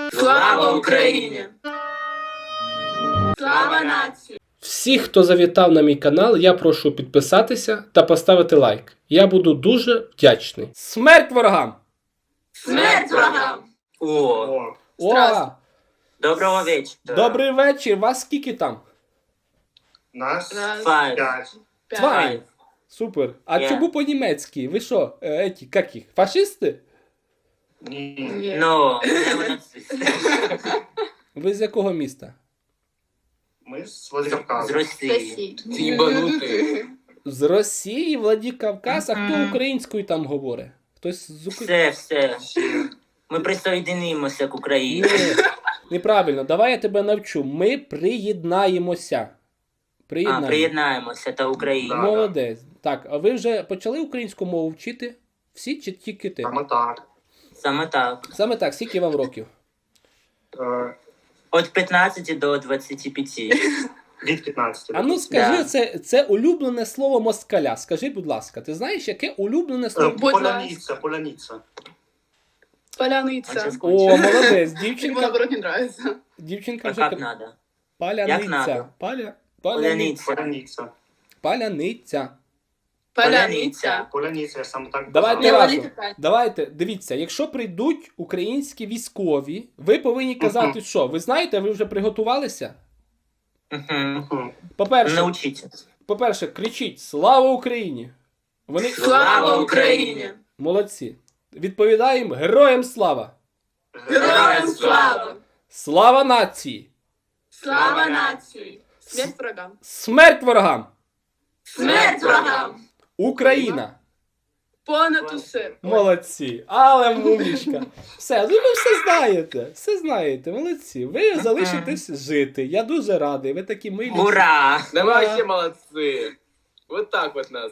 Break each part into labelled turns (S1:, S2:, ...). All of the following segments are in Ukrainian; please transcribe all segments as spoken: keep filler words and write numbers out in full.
S1: Слава Україні! Слава нації!
S2: Всіх, хто завітав на мій канал, я прошу підписатися та поставити лайк. Я буду дуже вдячний. Смерть ворогам!
S1: Смерть ворогам!
S3: О,
S2: О!
S3: доброго вечора.
S2: Добрий вечір! Вас скільки там?
S4: Нас
S1: Раз,
S3: Five.
S4: п'ять.
S1: п'ять.
S2: Два. Супер. А
S3: Я.
S2: чому по-німецьки? Ви що, е, еті, як їх? Фашисти?
S4: Ні.
S1: Ні.
S3: Ну, не нацисти.
S2: Ви з якого міста?
S4: Ми з
S3: З
S4: Владикавказу.
S3: Росії.
S1: Сосі.
S3: Їбанути.
S2: З Росії, Владикавказ, а хто
S3: Мгм.
S2: українською там говорить? Хтось з України?
S3: Все, все. Ми присоєдинимося к Україні.
S2: Ні, неправильно. Давай я тебе навчу. Ми приєднаємося.
S3: А,
S2: Приєднаємося.
S3: приєднаємося та Україна.
S4: Да.
S2: Молодець. Так, а ви вже почали українську мову вчити? Всі чи тільки ти?
S4: Саме так.
S3: Саме так.
S2: Саме так, скільки вам років?
S4: Е,
S3: Від п'ятнадцяти до двадцяти п'яти.
S4: Від п'ятнадцяти.
S2: А ну скажи,
S3: Да.
S2: це, це улюблене слово москаля. Скажи, будь ласка, ти знаєш, яке улюблене
S4: Е,
S2: слово?
S1: Будь
S4: Поляниця, поляниця.
S1: Поляниця.
S3: Оце
S2: О, молодець,
S1: Ему
S2: дівчинка,
S1: наоборот не нравится.
S2: дівчинка
S3: А
S2: вже...
S3: як
S2: кр-
S3: надо? Як
S2: Паляниця.
S3: надо?
S2: Паля... Паляниця.
S3: Поляниця.
S4: Поляниця.
S2: Паляниця.
S1: Поляниця.
S4: Поляниця, я саме так
S2: Давайте
S4: казав.
S2: разом.
S1: Поляниця.
S2: Давайте, дивіться, якщо прийдуть українські військові, ви повинні казати, що? Ви знаєте, ви вже приготувалися?
S3: Угу.
S4: Мгм.
S2: По-перше,
S3: Научіться.
S2: по-перше, кричіть «Слава Україні!» Вони
S1: Слава Україні!
S2: молодці. Відповідаємо «Героям слава!»
S1: Героям слава!
S2: Слава нації!
S1: Слава нації! Смерть врагам!
S2: Смерть ворогам!
S1: Смерть врагам!
S2: Україна!
S1: Понад усе!
S2: Молодці! Але мумічка! Все, ну ви все знаєте, все знаєте, молодці. Ви залишитесь жити. Я дуже радий, ви такі милі.
S3: Ура!
S5: Да вы
S2: Ура.
S5: вообще молодцы. Вот так вот нас.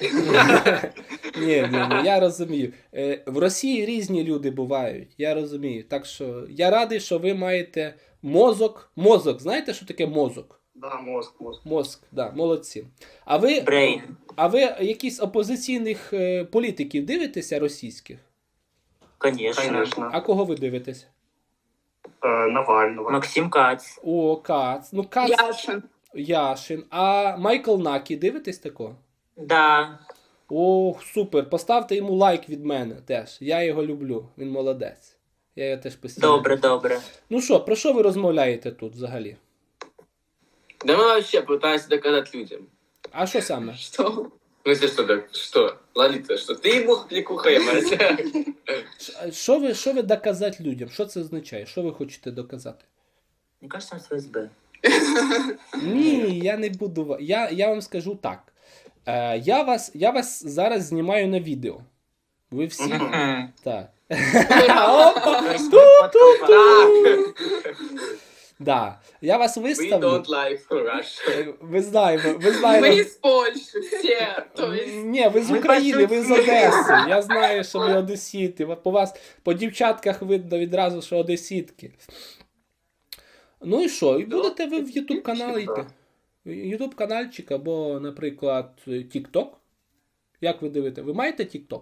S2: Ні, ні, ні, я розумію. Е, в Росії різні люди бувають, я розумію. Так що я радий, що ви маєте мозок. Мозок, знаєте, що таке мозок?
S4: Да, мозк, мозк.
S2: Мозк, да, молодці. А ви,
S3: Брейн.
S2: а ви якісь опозиційних е, політиків дивитеся російських?
S3: Конечно.
S4: Конечно.
S2: А кого ви дивитеся?
S4: Е, Навального.
S3: Максим Кац.
S2: О, Кац. Ну, Кац,
S1: Яшин!
S2: Яшин. А Майкл Накі, дивитесь такого?
S3: Да.
S2: Ох, супер. Поставте йому лайк від мене теж. Я його люблю. Він молодець. Я його теж постійно.
S3: Добре, добре.
S2: Ну що, про що ви розмовляєте тут взагалі?
S5: Да мы вообще пытаемся доказать людям.
S2: А що саме?
S1: Что?
S5: В смысле, что так? Что? Лолита, что? Ты ему кликуха, мать.
S2: Ш- Що ви, що ви доказати людям? Що це означає? Що ви хочете доказати?
S3: Мені кажется, з ФСБ.
S2: Ні, я не буду. ва- Я, я вам скажу так. Е, я, вас, я вас зараз знімаю на відео. Ви всі.
S3: Мгм.
S2: Так.
S3: Тобто
S2: Опа!
S3: ми фоткали.
S2: Да. Я вас
S5: We
S2: виставлю.
S5: don't like Russia.
S2: Е, Ви знаєте, ви
S1: Мы
S2: знаєте.
S1: из Польши все, то есть...
S2: Ні, ви з
S3: Ми
S2: України, ви з
S3: пошутили.
S2: Одеси. Я знаю, що ви одесіти. По вас, по дівчатках видно відразу, що одесітки. Ну і що? І будете ви в YouTube канал йти? YouTube каналчик або, наприклад, TikTok? Як ви дивите? Ви маєте TikTok?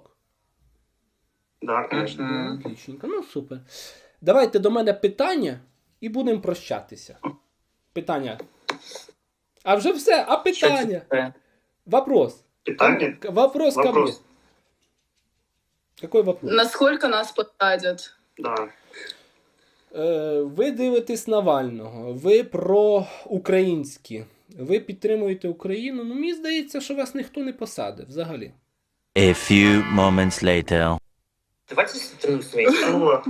S4: Да, конечно.
S3: Мгм.
S2: Отлічненько. Ну, супер. Давайте до мене питання і будемо прощатися. Питання. А вже все, а
S3: Що це
S2: питання?
S3: таке?
S2: Вопрос.
S4: Питання?
S2: К- Вопрос ко мне.
S4: Вопрос.
S2: Какой вопрос?
S1: Насколько нас посадят?
S4: Да.
S2: Е, ви дивитесь Навального, ви проукраїнські, ви підтримуєте Україну. Ну, мені здається, що вас ніхто не посадить взагалі.
S6: A few moments later.
S3: Давайте страну свою.
S4: О,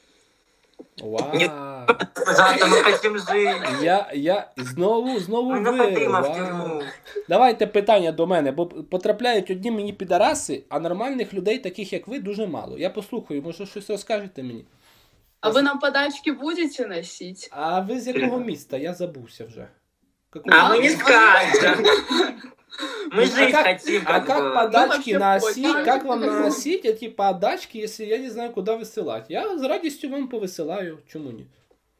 S2: Вау.
S3: Завтра ми хочемо жити.
S2: Я, я знову, знову
S3: Ми не
S2: ви.
S3: хотимо в
S2: Вау.
S3: тюрму.
S2: Давайте питання до мене, бо потрапляють одні мені підараси, а нормальних людей, таких як ви, дуже мало. Я послухаю, може щось розкажете мені.
S1: А вы нам подачки будете носить?
S2: А ви з якого міста? Я забувся вже. Какого?
S3: А ми не скажемо. Мы
S2: А
S3: жить
S2: как-
S3: хотим.
S2: А
S3: как
S2: как
S3: бы.
S2: подачки
S1: Ну, вообще
S2: носить?
S1: понял.
S2: Как вам носить эти подачки, если я не знаю, куда высылать? Я с радостью вам повысылаю. Чему нет?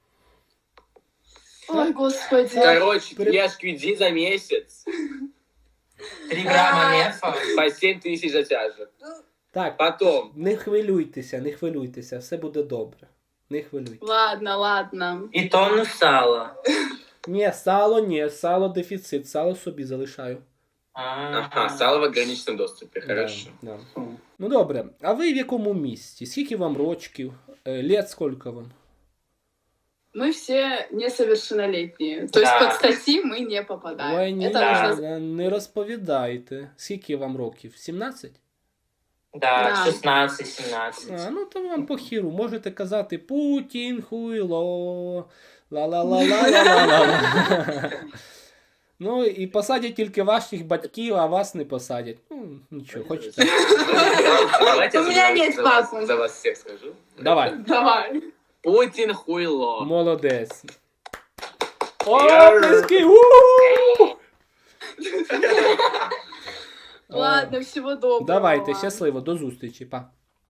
S1: Ой, господи.
S5: Короче,
S2: При-
S5: я шквиди за месяц
S3: Три грама мефа.
S5: по семь тысяч затяжек.
S2: Так,
S5: Потом
S2: не хвилюйтеся, не хвилюйтеся, все буде добре. Не хвилюй.
S1: Ладно, ладно.
S3: І тонну сала.
S2: Ні, сало, ні, сало дефіцит, сало собі залишаю.
S5: Ага, сало в ограниченном доступе, хорошо.
S2: Да, да. Ну добре, а ви в якому місті? Скільки вам рочків? Е, Лет скільки вам?
S1: Мы все несовершеннолетние. То есть
S3: Да.
S1: под статьи мы не попадаем.
S2: Ой, ні,
S1: Это нужно...
S2: не, не розповідайте. Скільки вам років? сімнадцять?
S3: Да,
S1: Да.
S3: шістнадцять сімнадцять.
S2: А, ну то вам по хіру. Можете казати Путін, хуйло, ла-ла-ла-ла-ла-ла-ла. Ну і посадять тільки ваших батьків, а вас не посадять. Ну, нічого, хочете.
S5: Давайте
S1: У
S5: за
S1: меня
S5: вас-
S1: нет
S5: за вас-
S1: папы.
S5: За вас всех скажу.
S2: Давай.
S1: Давай.
S5: Путин хуйло.
S2: Молодець.
S5: Яр.
S2: Оплески! У-у-у!
S1: Ладно, всего доброго.
S2: Давайте,
S1: вам.
S2: щасливо, до зустрічі, па.